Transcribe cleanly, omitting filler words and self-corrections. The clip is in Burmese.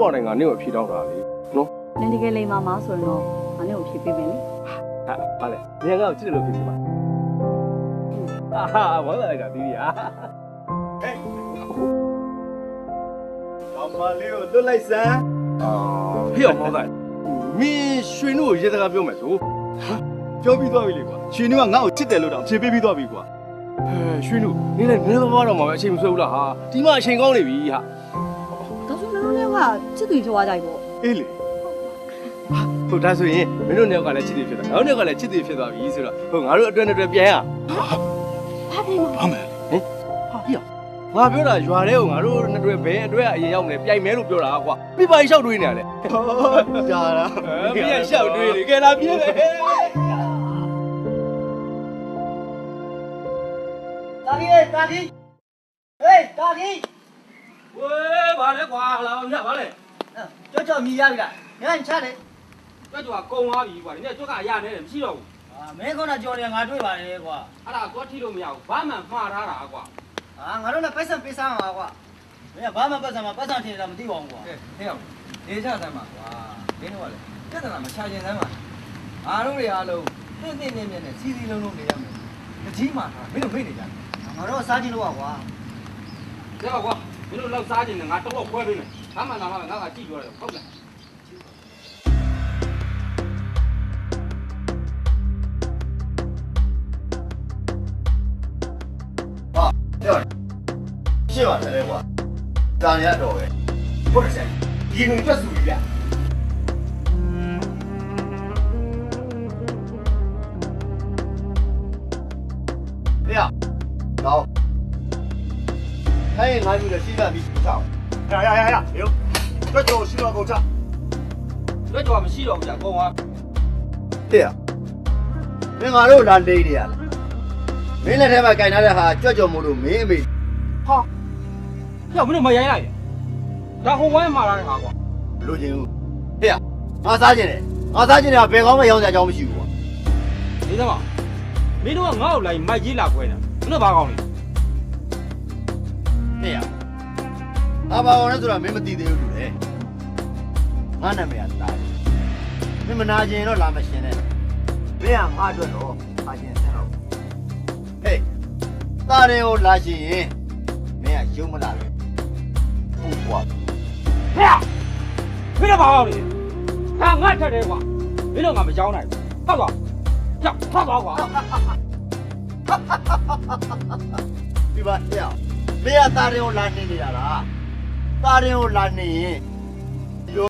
ပေါ်တိုင်းကနေကိုဖြေတော့တာလေနော်နင်တကယ်လိမ်မာမဆိုရင်တော့ငါနဲ့ကိုဖြေပေးမယ်လေဟာဘာလဲနေရာကချစ်တယ်လို့ဖြေပြပါအာဝမ်းလာလိုက်တာဒီကြီးဟာဟဲ့အမလေးကိုလွတ်လိုက်စမ်းဟေ့အောင်မောင်းလိုက်မင်းရွှေနှုတ်ကိုရေစကားပြောမယ်ဆိုပြောပြီးသွားပြီလေကွာရွှေနှုတ်ကငါ့ကိုချစ်တယ်လို့တော့ဖြေပေးပြီးသွားပြီကွာရွှေနှုတ်နေလည်းနည်းသွားတော့မှပဲအချိန်မဆွဲဘူးလားဟာဒီမှအချိန်ကောင်းနေပြီဟာဒါဆိုလည်းလည်းကချစ်သူပြောသွားကြပြီပေါ့အေးလေဟုတ်ဒါဆိုရင်မင်းတို့နှစ်ယောက်ကလည်းချစ်တယ်ဖြစ်တာငါတို့နှစ်ယောက်ကလည်းချစ်တယ်ဖြစ်သွားပြီဆိုတော့ဟိုငါတို့အတွဲနဲ့အတွဲပြန်ရဘာဖြစ်မှာဘာမယ်ဟင်ဟာပြငါပြောတာရွာထဲကိုငါတို့နှစ်တွဲဘဲအတွဲအရင်ရောက်နေပြိုင်မဲလို့ပြောတာကွာပြပိုင်လျှောက်တွေးနေရလေကြာတာမင်းကလျှောက်တွေးလေကဲလာပြေးလေတာကြီးဟေးတာကြီးဝေးဘာလဲကွာလာအောင်ညဘာလဲကြောမြည်ရပြီလားငါချတယ်တွက်ကြွားကုံသွားပြီကွာဒီနေ့တွက်ကရနေတယ်မရှိတော့ဘူးမင်းခုနကြော်တယ်ငါတွေ့ပါတယ်ကွာအဲ့ဒါသွားထိလို့မရဘူးဘာမှမှားထားတာကွာငါတို့လည်းပိုက်ဆံပေးစားမှာကွာမင်းကဘာမှပတ်စံမှာပတ်စံထင်တာမသိပါဘူးကွာဟဲ့အောင်နေကြစမ်းပါကွာမင်းတို့ကလည်းပြဿနာမချခြင်းစမ်းပါအားလုံးတွေအားလုံးမြင့်နဲ့စီစီလုံးလုံးနေရမယ်တကြီးမှထားမင်းတို့မိတ်နေကြတယ်ငါတို့စားကြည့်လို့ကွာတဲ့ကွာမင်းတို့လောက်စားခြင်းနဲ့ငါတော့ခွဲပေးမယ်ဘာမှလာမှငါကကြည့်ပြောတယ်ဟုတ်လားရှင်းပါတယ်လေကွာတာရတော့ပဲဟုတ်တယ်ဒီငွေထွက်စုပြီဗျဟဲ့တော့ဟဲ့ငါယူတယ်ရှိတာပြီးစောင်းရရုပ်တွက်ကြောရှိတော့ကုန်ချတွက်ကြွားမရှိတော့ဘူးကြာကုံသွားတဲ့မင်းငါတို့လာနေနေရလားမင်းလက်ထဲမှာကင်ထားတဲ့ဟာကြွက်ကြောမို့လို့မင်းအမေဟာပြောမင်းတို့မရိုင်းလိုက်ဒါဟိုဝိုင်းမှာလာတဲ့ဟာကွာလူချင်းဦးဟဲ့ငါစားခြင်းတယ်ငါစားခြင်းတယ်ဘယ်ကောင်းမှရောင်းစရာအကြောင်းမရှိဘူးကွာဒီသမားမင်းတို့ကငါ့ကိုလိုက်မိုက်ကြီးလာခွဲတာမင်းတို့ဘာကောင်းလဲဟဲ့အဘာအောင်လဲဆိုတာမင်းမသိသေးဘူးလူလေငါနာမည်ကတားမင်းမနာကျင်တော့လာမရှင်နဲ့မင်းကငါအတွက်တော့အားကျင်ဆက်တော့ဟေးတားတယ်ကိုလာရှင်ရင်မင်းကရုံမလာပဲဟုတ်ကွာဟဲ့မင်းတို့ဘာကောင်းလဲဟာငါထက်တယ်ကွာမင်းတို့ငါမကြောင်းနိုင်ဘူးဟုတ်ကွာကြောက်ထွက်သွားကွာဒီပါဟဲ့မင်းကတားတယ်ကိုလာနေနေတာလားတားတယ်ကိုလာနေရင်